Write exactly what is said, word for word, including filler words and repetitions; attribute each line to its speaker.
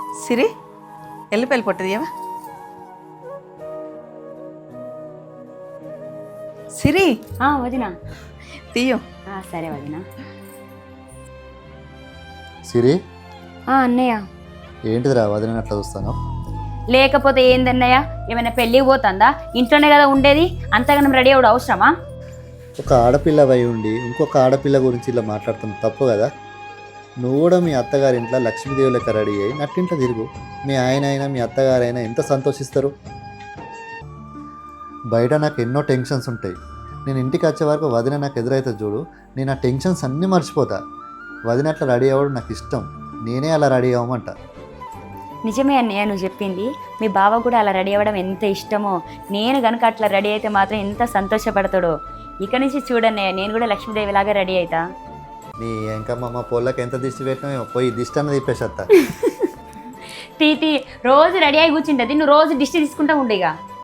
Speaker 1: సిరి ఎల్లిపాయలు పొట్టదియవా? సిరి
Speaker 2: వదినా
Speaker 1: తీయో.
Speaker 2: సరే వదినా.
Speaker 3: సిరి
Speaker 2: అన్నయ్య
Speaker 3: ఏంటిదిరా వదిన అట్లా చూస్తాను?
Speaker 2: లేకపోతే ఏందన్నయ్య, ఏమైనా పెళ్ళికి పోతుందా? ఇంట్లోనే కదా ఉండేది, అంతగానం రెడీ అవ్వడం అవసరమా?
Speaker 3: ఒక ఆడపిల్ల అయి ఉండి ఇంకొక ఆడపిల్ల గురించి ఇలా మాట్లాడుతుంది తప్పు కదా? నువ్వు కూడా మీ అత్తగారి ఇంట్లో లక్ష్మీదేవి లెక్క రెడీ అయ్యి నట్టింట్లో తిరుగు. మీ ఆయన అయినా మీ అత్తగారైనా ఎంత సంతోషిస్తారు. బయట నాకు ఎన్నో టెన్షన్స్ ఉంటాయి. నేను ఇంటికి వచ్చే వరకు వదిన నాకు ఎదురైతే చూడు, నేను ఆ టెన్షన్స్ అన్నీ మర్చిపోతా. వదిన అట్లా రెడీ అవ్వడం నాకు ఇష్టం. నేనే అలా రెడీ అవ్వమంట.
Speaker 2: నిజమే అన్నయ్య నువ్వు చెప్పింది. మీ బావ కూడా అలా రెడీ అవ్వడం ఎంత ఇష్టమో, నేను కనుక అట్లా రెడీ అయితే మాత్రం ఎంత సంతోషపడతాడో. ఇక నుంచి చూడన్నయ్య, నేను కూడా లక్ష్మీదేవి లాగా రెడీ అవుతా.
Speaker 3: నీ ఎంకమ్మ పోళ్ళకి ఎంత దిష్టి పెట్టినా పోయి దిష్టి అన్నది తిప్పేసేస్తా.
Speaker 2: టీటీ రోజు రెడీ అయి కూర్చుంటుంది, నువ్వు రోజు దిష్టి తీసుకుంటా ఉండేగా.